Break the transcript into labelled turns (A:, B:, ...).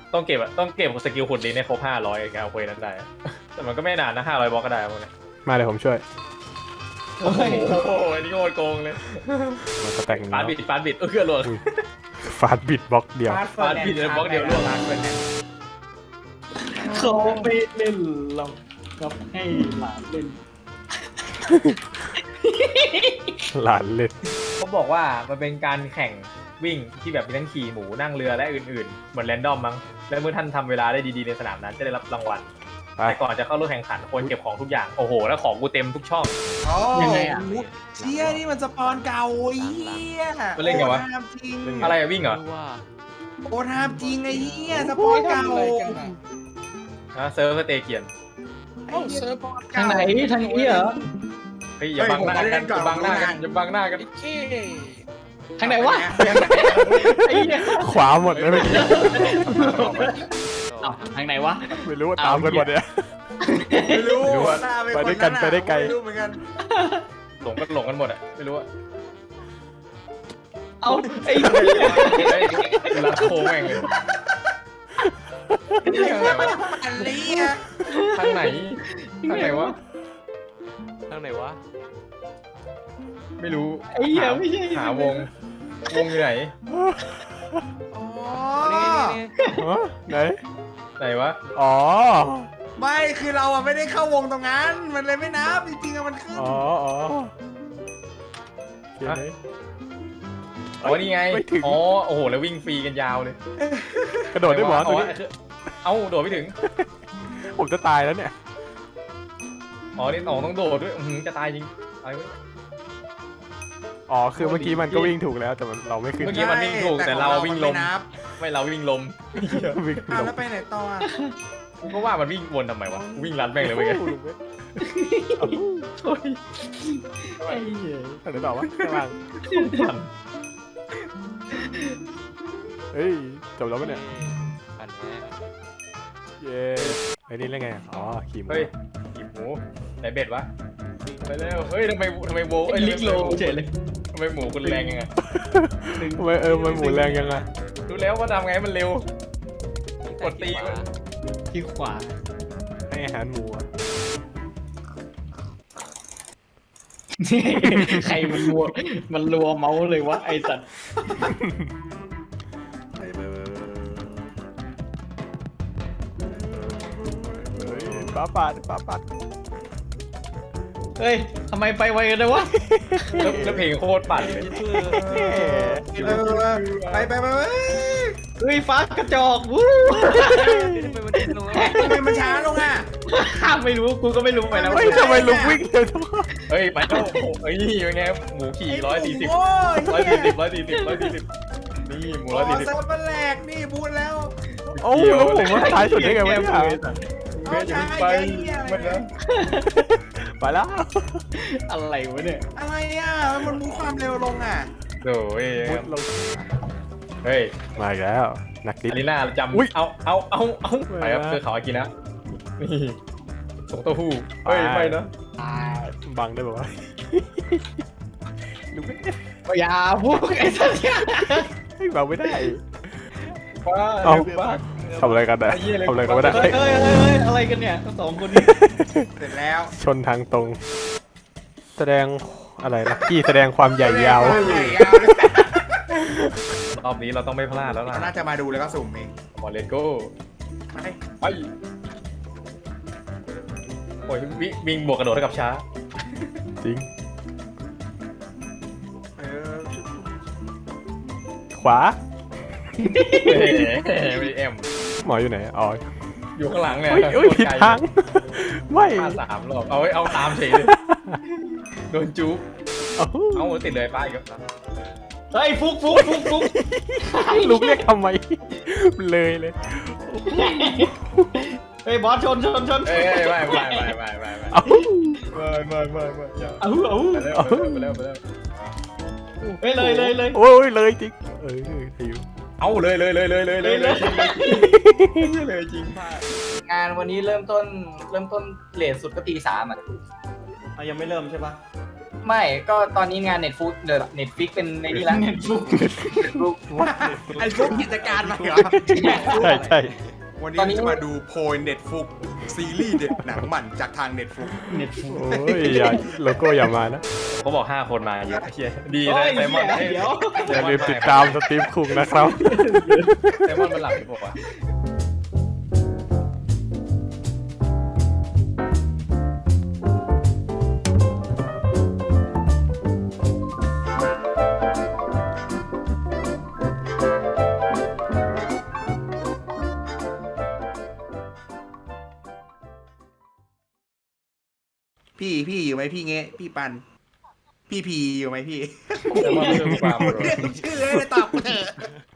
A: ต้องเก็บอะต้องเก็บสกิลขุดดินในครบ500การเอาเควสนั้นได้แต่มันก็ไม่นานนะ500บล็อกก็ได้พวกนี้
B: มาเดี๋ยวผมช่วย
A: โอ้โหอันนี้โคตรโกงเลย
B: มันก็แต่ง
A: ฟาดบิดฟาดบิดเกือบหล่น
B: ฟาดบิดบล็อกเดียว
A: ฟาดผิดเลยบล็อกเดียวร่วง
C: เขาไม่เล่นหรอกครับให้หลานเล่น
B: หลานเล่น
A: เขาบอกว่ามันเป็นการแข่งวิ่งที่แบบมีทั้งขี่หมูนั่งเรือและอื่นๆเหมือนแรนดอมมั้งและเมื่อท่านทำเวลาได้ดีๆในสนามนั้นจะได้รับรางวัล
B: ไป
A: แต่ก่อนจะเข้าร่วมแข่งขันควรเก็บของทุกอย่างโอ้โหแล้วของกูเต็มทุกช่อง
C: ยังไงอ่ะ
D: เชี่ยนี่มันสปอนเก่าไอ้เหี้ย
A: มันเล่นไงวะ
D: โอ้ทามจริง
A: อะไรอะวิ่งเหรอ
D: โอ้ทามจริงไอ้เหี้ยสปอนเก่า
A: เซิร์ฟสเตเกียน
D: ไอ้เหี้ยสปอน
C: ทาง
D: เก่า
C: ไหนทางนี้เหรอ
A: เฮ้ยอย่าบังหน้ากันอย่าบังหน้ากันอย่าบังหน้ากัน
C: ทางไหนวะไอ้เหี้ย
B: ขวาหมดเลยเมื่อกี้
C: อ้าวทางไหนวะ
B: ไม่รู้ว่าตามกันหมดเนี่ย
D: ไม่รู้
B: ไม่รู้อะ
D: หน้าเป็น
B: ไปด้วยกัน
D: ค
B: ไปได้ไกล
D: ม่รู้เหมือนกัน
A: หลงกันหมดอะไม่รู้อะ
C: เอาไอ้
A: รัดโค้งแม่งเลยทางไหนวะ
D: อันนี้อะ
A: ทางไหนทางไหนวะ
E: ทางไหนวะ
A: ไม่รู้
C: ไอ้เหี้ยไม่ใช่
A: หาวงอยู่ไหน
D: อ๋อ
B: ฮะไหน
A: ไหนวะ
B: อ๋อ
D: ไม่คือเราอะไม่ได้เข้าวงตรงนั้น มันเลยไม่นับจริงๆอะมันขึ้น
B: อ๋ออ๋อเขียนไหน
A: อ๋อนี่ไง
B: ไม่ถึง
A: อ๋อโอ้โหแล้ววิ่งฟรีกันยาวเลย
B: กระโดดได้หมอตัวนี้
A: เอ้าโดดไม่ถึง
B: ผมจะตายแล้วเนี่ย
A: อ๋อนี่อ๋อต้องโดดด้วยจะตายจริงตายเว้ย
B: อ๋อคือเมื่อกี้มันก็วิ่งถูกแล้วแต่มันเราไม่ขึ้น
A: เมื่อกี้มันวิ่งถูกแต่เราวิ่งลม
D: ไนับ
A: ไม่เราวิ่งลม
B: วิ่ง
D: อ้าว
B: ลง
D: แล้วไปไหนต่ออะ
A: กูก็ว่ามันวิ่งวนทำไมวะกูวิ่งรันแม่งเลยเว้ย
C: ไอ้เหี้ย
B: ทางไหนต่อวะข้างล่างเฮ้ยจบแล้วปะเนี่ย
E: ผ่านแพ้
B: เย้ไอ้นี่เล่นไงอ๋อขี่ม้า
A: เฮ้ยหยิบหมูไหนเบ็ดวะไปแล้วเฮ้ยทำไมโว
C: ไอ้ลิกโลเฉยเลย
A: ทำไมหมูคุณแรงยังไง
B: ทำไมมันหมุนแรงยังไง
A: รู้แล้วว่าทำไงให้มันเร็ว กดตี
C: ที่ขวา
B: ให้อาหารหมูอะ
C: ใครมันรัวเมาส์เลยวะไอ้สัตว์
B: เฮ้ยฟ้าปาด
C: เฮ้ยทำไมไปไวกันเลยวะ
A: แล้วเพลงโคตรปั่นเลย
D: ไป
C: เฮ้ยฟ้ากระจอกวู้
D: ทำไมมันช้าลงอ่ะ
C: ไม่รู้กูก็ไม่รู้ไปแล้ว
B: เฮ้ยทำไมลุกวิ่งเร็วจังวะ
A: เฮ้ยไปแล้วเฮ้ยเป็นไงหมูขี่140
D: โอ้ย
A: 140นี่หมู
D: โอ้
A: 140
D: เซิร์ฟมันแหลกนี่พูดแล้ว
B: โอ้แล้วผมว่าท้ายสุดได้ไงวะเนี่ย
A: เบสอย่าเพิ่งไปมันนะ
B: ไปแล้ว
C: อะไรวะเนี่ย
D: อะไรอ่ะมันมูความเร็วลงอ่ะ
A: โอ้ย
B: มุดลง
A: เฮ้ย
B: มาอีกแล้วนักดิ
A: อารีน่าจ
B: อุ๊ย
A: ำเอาไปครับเพื่อเขาอากินะนี่ส่งเต้าหู้เฮ้ยไม่นะ
B: บังได้ป่าวะลุกไม่ได้
C: อย่าพูดไอ้สัตว์
B: เฮ้ยบังไม่ได้
A: ว้า
B: เอา
A: บ้า
B: ทำอะไรกันนะทำอะไรกันไม่ได้
C: เฮ้ยอะไรกันเนี่ยทั้งสองคนนี้
D: เสร็จแล้ว
B: ชนทางตรง แสดงอะไรนะที่แสดงความใหญ่ยาว
A: รอบนี้เราต้องไม่พลาดแล้วล่ะ
D: น่าจะมาดูแล้วก็สุ่มเอง
A: มอเลโก้
D: ไป
A: ไปโอ้ยวิ่งบวกกระโดดเท่ากับช้า
B: จริง
D: เออ
B: ขวา
A: ไม่แอม
B: หมออยู่ไหนอ๋อ
A: อยู่ข้างหลังเนี่ย
B: เฮ้ยผิดทางไม่
A: พลาด3 รอบเอาตามเฉยเลยโดนจู๊บ
B: เอา
A: เอาติดเลยป้าอีกแล้ว
C: เฮ้ยฟุก
B: ลุกเรียกทำไมเลยเลย
C: เฮ้ยบอสชน
A: เอ้ยไม่
B: เอา
A: ไม่อย่า
C: เอา
A: ไปแล้ว
C: เฮ้ยเลย
B: โอ้ยเลยจริงหิว
A: เอาเลยจริงพลาด
F: งานวันนี้เริ่มต้นเลทสุดก็ตี 3อ่ะ
C: ยังไม่เริ่มใช่ปะไม่ก็ตอนนี้งานเน็ตฟุกเดอะเน็ตฟิกเป็นในนี่แล้วเน็ตฟุก
D: ไอ้พวกกิจการมาเหรอ
B: ใช่ใช่
D: วันนี้จะมาดูโพยเน็ตฟุกซีรีส์เด็ดหนังหมันจากทางเน็ตฟุก
C: เน็ตฟุก
B: โอ้ยอย่าโลโก้อย่ามานะ
A: เขาบอก5 คนมาเยอะเชียดี
C: โอ้
A: เลย
C: ย
A: ไซมอน
C: เดี๋ยว
B: อย่าลืมติดตามสตรีมคุงนะครับ
A: ไซมอนเป็นหลักที่บอกว่า
D: พี่อยู่ไหมพี่เงี้พี่ปัน พี่พีอยู่ไหมพี่
A: ไซมอนเรื่องความ
D: เรียกชื่อเลยตอบกูเถอะ